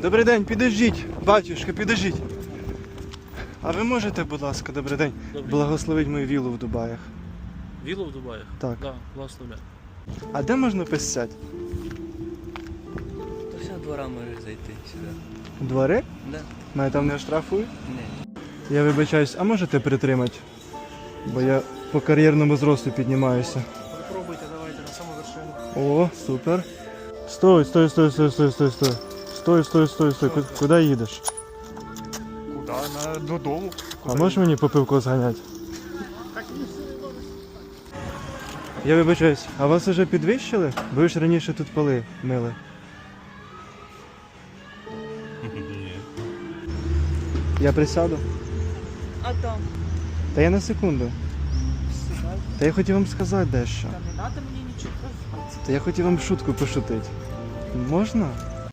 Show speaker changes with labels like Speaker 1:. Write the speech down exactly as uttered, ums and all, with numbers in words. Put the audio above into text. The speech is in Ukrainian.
Speaker 1: Добрий день, підождіть, батюшка, підождіть. А ви можете, будь ласка, добрий день,
Speaker 2: Добрий.
Speaker 1: благословити мою віллу в Дубаях?
Speaker 2: Віллу в Дубаях?
Speaker 1: Так.
Speaker 2: Да, благословляю.
Speaker 1: А де можна писати?
Speaker 3: То вся двора може зайти сюди.
Speaker 1: Двори?
Speaker 3: Да?
Speaker 1: Мене там не штрафують?
Speaker 3: Ні.
Speaker 1: Я вибачаюсь, а можете притримати? Бо я по кар'єрному зросту піднімаюся.
Speaker 2: Попробуйте, давайте на саму вершину.
Speaker 1: О, супер. Стой, стой, стой, стой, стой, стой, стой. Стой, стой, стой, стой. Ку- Куди їдеш?
Speaker 2: Куди? На... Додому.
Speaker 1: А можеш мені по пивку зганяти? Я вибачаюсь, а вас вже підвищили? Ви ж раніше тут поли мили. Я присяду?
Speaker 4: А там?
Speaker 1: Та я на секунду.
Speaker 4: Сідай.
Speaker 1: Та я хотів вам сказати дещо.
Speaker 4: Та не треба мені нічого казати.
Speaker 1: Та я хотів вам шутку пошутити. Можна?